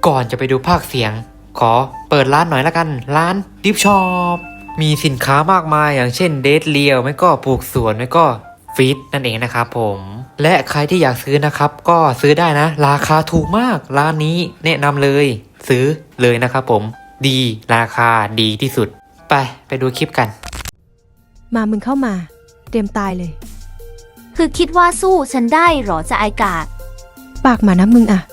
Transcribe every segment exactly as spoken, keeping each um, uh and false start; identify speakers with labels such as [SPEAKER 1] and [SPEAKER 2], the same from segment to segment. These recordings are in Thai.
[SPEAKER 1] ก่อนจะไปดูภาคเสียงขอเปิดร้านหน่อยละกันร้านดิฟช็อปมีสินค้ามากมายอย่างเช่นเดทเลียวไม่ก็ปลูกสวนไม่ก็ฟีดนั่นเองนะครับผมและใครที่อยากซื้อนะครับก็ซื้อได้นะราคาถูกมากร้านนี้แนะนำเลยซื้อเลยนะครับผมดีราคาดีที่สุดไปไปดูคลิปกัน
[SPEAKER 2] มามึงเข้ามาเตรียมตายเลย
[SPEAKER 3] คือคิดว่าสู้ฉันได้หรอจะไอกาด
[SPEAKER 2] ปากมานะมึงอะ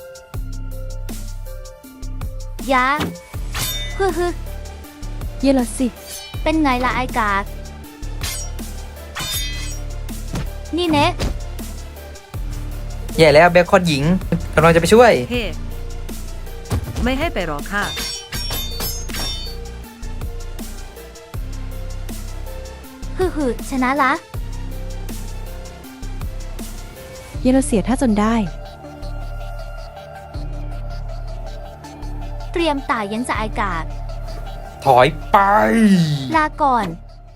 [SPEAKER 3] ยาฮึฮึ
[SPEAKER 2] เยลสิ
[SPEAKER 3] เป็นไงล่ะไอกาดนี่เนะ
[SPEAKER 1] แย่แล้วเบคอนหญิงกำลังจะไปช่วย
[SPEAKER 4] เฮ้ hey, ไม่ให้ไปหรอกค่ะ
[SPEAKER 3] ฮึฮึชนะละ
[SPEAKER 2] เยลเสียถ้าจนได้
[SPEAKER 3] เตรียมตายยังจะไอกาด
[SPEAKER 1] ถอยไป
[SPEAKER 3] ลาก่อน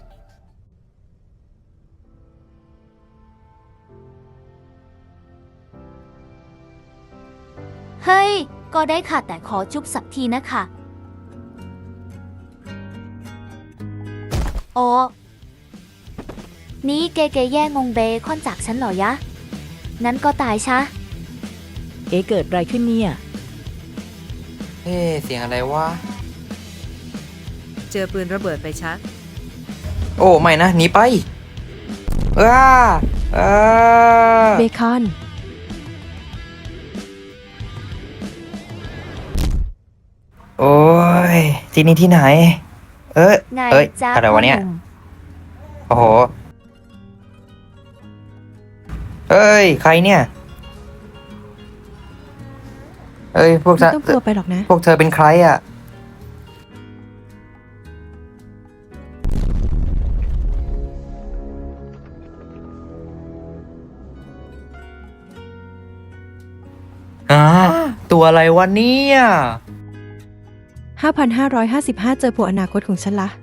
[SPEAKER 3] เฮ้ยก็ได้ค่ะแต่ขอจุ๊บสักทีนะคะโอ้นี่เกเกแย่งงเบคอนจากฉันเหรอยะนั้นก็ตายชะ
[SPEAKER 4] เอ๊ะเกิดอะไรขึ้นเนี่ย
[SPEAKER 1] เฮ้เสียงอะไรวะ
[SPEAKER 4] เจอปืนระเบิดไปชะ
[SPEAKER 1] โอ้ไม่นะหนีไปอ้าอ้า
[SPEAKER 2] เบคอน
[SPEAKER 1] โอ้ยที่นี่ที่ไหนเอ้ยเอ้ยอะไรวะเนี่ยโอ้โหเอ้ยใครเนี่ยเอ้ยพวกเธอ
[SPEAKER 2] ต้องกลัวไปหรอกนะ
[SPEAKER 1] พวกเธอเป็นใครอ่ะอ่าตัวอะไรวะเนี่ย
[SPEAKER 2] ห้าพันห้าร้อยห้าสิบห้า เจอผัวอนาคตของฉันละ